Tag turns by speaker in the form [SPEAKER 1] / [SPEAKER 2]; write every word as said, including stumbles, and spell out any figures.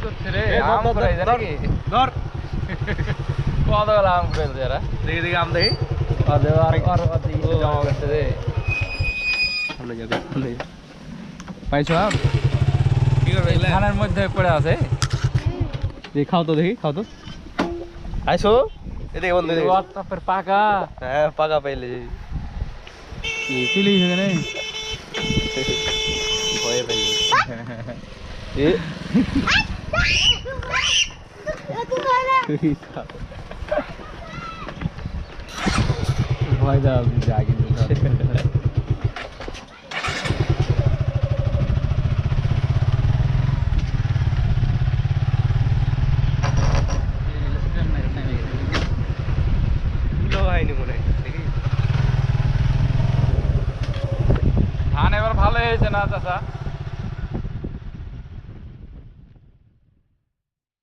[SPEAKER 1] হচ্ছে রে আম কুড়াই জানি কি
[SPEAKER 2] ধর
[SPEAKER 1] কত গেল আম কুড়াই যারা
[SPEAKER 2] দেখি দেখি আম দেখি
[SPEAKER 1] আর আর আর জমা করতে দে
[SPEAKER 2] সামনে যাবে সামনে
[SPEAKER 1] পাইছো আম
[SPEAKER 2] কি করবে এগুলা
[SPEAKER 1] ধানের মধ্যে পড়ে আছে
[SPEAKER 2] দেখি খাও তো দেখি খাও তো আইসো এদিকে বন্ধু দেখি
[SPEAKER 1] তারপর পাকা
[SPEAKER 2] হ্যাঁ পাকা পাইলে
[SPEAKER 1] চলে গেছে নেই
[SPEAKER 2] ভয়ে পাইলে এ
[SPEAKER 1] ভয় দাও জাগি
[SPEAKER 2] হয়নি মনে হয় দেখি
[SPEAKER 1] ধান এবার ভালো হয়েছে না চাচা